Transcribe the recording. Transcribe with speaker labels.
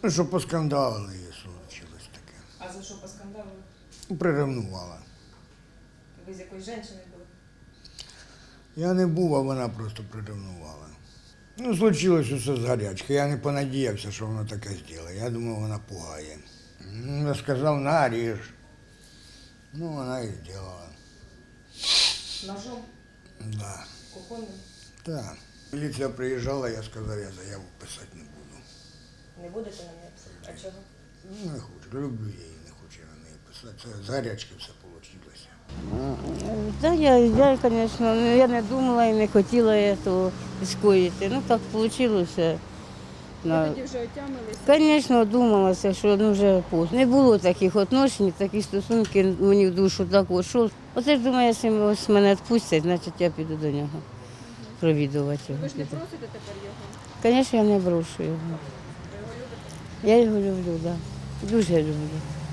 Speaker 1: Ну, що поскандалили, і случилось таке.
Speaker 2: А за що поскандалили?
Speaker 1: Приревнувала.
Speaker 2: Ви з якоюсь жінкою були?
Speaker 1: Я не був, а вона просто приревнувала. Ну, случилось усе з гарячки. Я не понадіявся, що вона таке зробить. Я думав, вона пугає. Я сказав, на, ріж. Ну, вона і зробила.
Speaker 2: Ножом?
Speaker 1: Да.
Speaker 2: Кухонним?
Speaker 1: Так. Міліція приїжджала, я сказав, я заяву писати не буду.
Speaker 2: Не будете на неї писати? А чого?
Speaker 1: Ну, не хочу. Люблю я її, не хочу я на неї писати. Це з гарячки все вийшло.
Speaker 3: Да, звісно, я не думала і не хотіла цього скоїти. Ну так вийшло.
Speaker 4: Ви тоді вже отямилися?
Speaker 3: Звісно, думалася, що вже поздно. Не було таких відношень, такі стосунки мені в душу так що. Оце ж думаю, якщо ось мене відпустять, значить я піду до нього провідувати його.
Speaker 4: Ви ж не просите тепер його?
Speaker 3: Звісно, я не брошу його.
Speaker 4: Ви його любите?
Speaker 3: Я його люблю, так. Да. Дуже люблю.